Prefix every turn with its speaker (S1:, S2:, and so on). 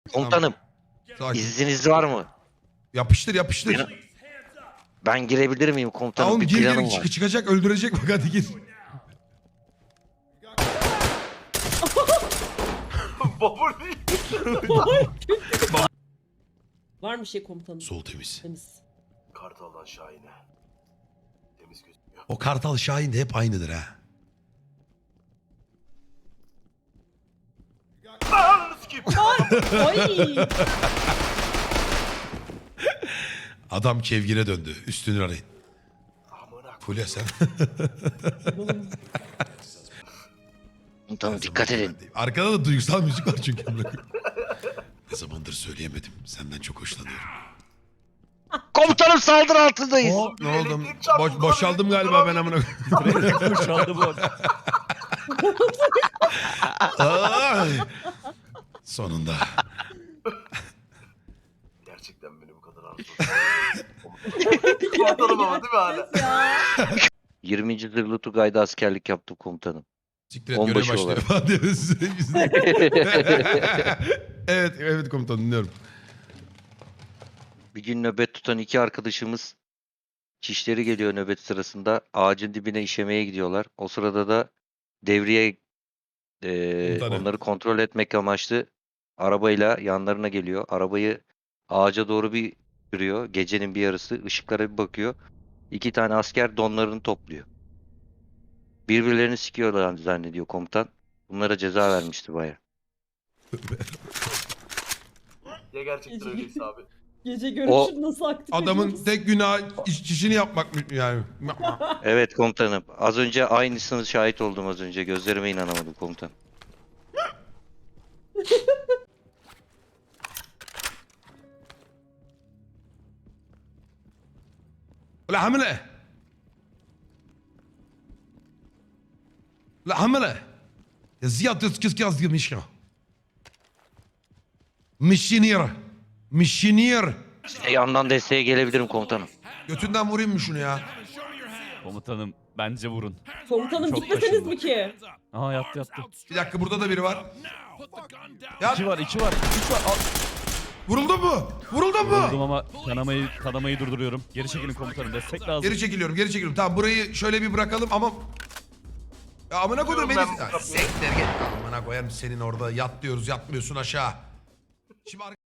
S1: Komutanım,
S2: Sakin.
S1: izniniz var mı?
S2: Yapıştır yapıştır.
S1: Ben girebilir miyim komutanım?
S2: Tamam
S1: Bir
S2: gir
S1: planım
S2: gir
S1: var.
S2: çıkacak öldürecek bak hadi gir.
S3: Babur değil.
S4: Var mı bir şey komutanım?
S2: Sol temiz.
S4: Temiz.
S3: Kartaldan Şahin'e. Temiz gözüküyor.
S2: O Kartal Şahin de hep aynıdır ha.
S3: Ananı sikeyim.
S4: Ay!
S2: Adam kevgire döndü. Üstünü arayın.
S3: Amına
S2: Fulya sen.
S1: Komutanım dikkat edin.
S2: Arkada da duygusal müzik var çünkü. Ne zamandır söyleyemedim. Senden çok hoşlanıyorum.
S1: Komutanım saldırı altındayız.
S2: Ne oldu?
S3: Elektrik çarptı,
S2: Boşaldım
S3: elektrik
S2: galiba ben amına.
S5: Boşaldı bu arada.
S2: Ay. Sonunda.
S3: Gerçekten beni bu kadar arzu Komutanım ama değil mi hala?
S4: Ya.
S1: 20. Zırhlı Tugay'da askerlik yaptım komutanım.
S2: Siktir et görev
S1: Onbaşı
S2: başlıyor.
S1: olarak.
S2: Falan diyoruz. Evet komutanım dinliyorum.
S1: Bir gün nöbet tutan iki arkadaşımız çişleri geliyor nöbet sırasında. Ağacın dibine işemeye gidiyorlar. O sırada da devriye
S2: Komutanım.
S1: onları kontrol etmek amaçlı arabayla yanlarına geliyor. Arabayı ağaca doğru bir sürüyor. Gecenin bir yarısı. Işıklara bir bakıyor. İki tane asker donlarını topluyor. Birbirlerini sikiyorlar zannediyor komutan. Bunlara ceza vermişti baya.
S3: Ya gerçekten öyleyse abi.
S4: Gece görüşü nasıl aktif
S2: Adamın
S4: ediyoruz?
S2: tek günahı çişini yapmak mı yani?
S1: Evet komutanım. Az önce aynısını şahit oldum az önce. Gözlerime inanamadım komutan.
S2: لا حملة لا حملة يا زياد كيس قصدي مشكلة مشينير مشينير
S1: Yandan desteğe gelebilirim komutanım.
S2: Götünden vurayım mı şunu ya?
S5: Komutanım bence vurun.
S4: Komutanım
S5: Çok
S4: gitmeseniz
S5: kaşındı.
S4: mi ki?
S5: Aha yattı.
S2: Bir dakika burada da biri var. Ya
S5: İki var. Üç var.
S2: vuruldun mu? Vuruldun
S5: Vurdum
S2: mu?
S5: ama kanamayı durduruyorum. Geri çekilin komutanım. Destek lazım.
S2: Geri çekiliyorum. Tamam burayı şöyle bir bırakalım ama... Ya amına koyduğum beni...
S3: Ben bu
S2: Ya,
S3: kapıyı-
S2: Siktir git. Amına koyarım senin orada yat diyoruz yatmıyorsun aşağı. Şimdi